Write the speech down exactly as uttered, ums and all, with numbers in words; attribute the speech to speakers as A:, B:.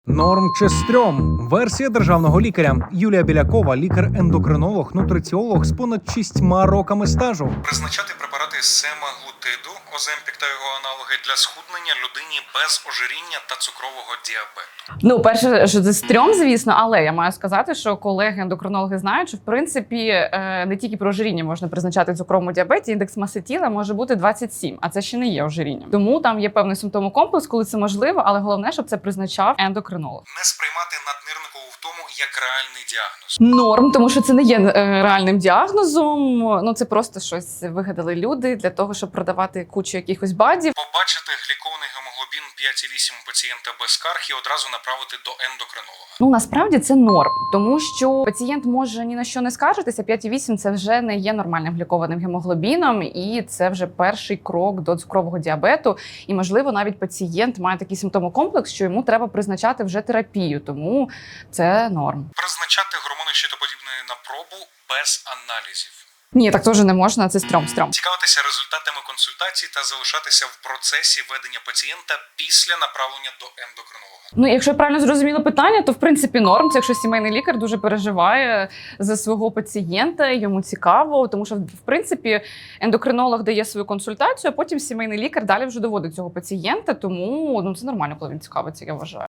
A: Норм чи стрьом? Версія державного лікаря. Юлія Білякова, лікар-ендокринолог, нутриціолог з понад шістьма роками стажу. Призначати препарати семаглутиду, оземпік та його аналоги для схуднення людині без ожиріння та цукрового діабету.
B: Ну, перше, що це стрьом, звісно, але я маю сказати, що колеги-ендокринологи знають, що в принципі не тільки при ожирінні можна призначати цукровому діабеті, індекс маси тіла може бути двадцять сім, а це ще не є ожирінням. Тому там є певний симптомокомплекс, коли це можливо, але головне, щоб це призначав ендокринолог.
A: Не сприймати наднирникову втому як реальний діагноз.
B: Норм, тому що це не є е, реальним діагнозом. Ну це просто щось вигадали люди для того, щоб продавати кучу якихось бадів.
A: Побачити глікований гемоглобін п'ять і вісім у пацієнта без скарг і одразу направити до ендокринолога.
B: Ну насправді це норм, тому що пацієнт може ні на що не скаржитися. п'ять і вісім це вже не є нормальним глікованим гемоглобіном, і це вже перший крок до цукрового діабету. І можливо, навіть пацієнт має такий симптомокомплекс, що йому треба призначати вже терапію. Тому це норм.
A: Призначати гормони щитоподібної на пробу без аналізів.
B: Ні, так теж не можна. Це стрьом, стрьом.
A: Цікавитися результатами консультацій та залишатися в процесі ведення пацієнта після направлення до ендокринолога.
B: Ну, якщо я правильно зрозуміла питання, то в принципі норм. Це якщо сімейний лікар дуже переживає за свого пацієнта, йому цікаво, тому що в принципі ендокринолог дає свою консультацію, а потім сімейний лікар далі вже доводить цього пацієнта. Тому ну це нормально, коли він цікавиться, я вважаю.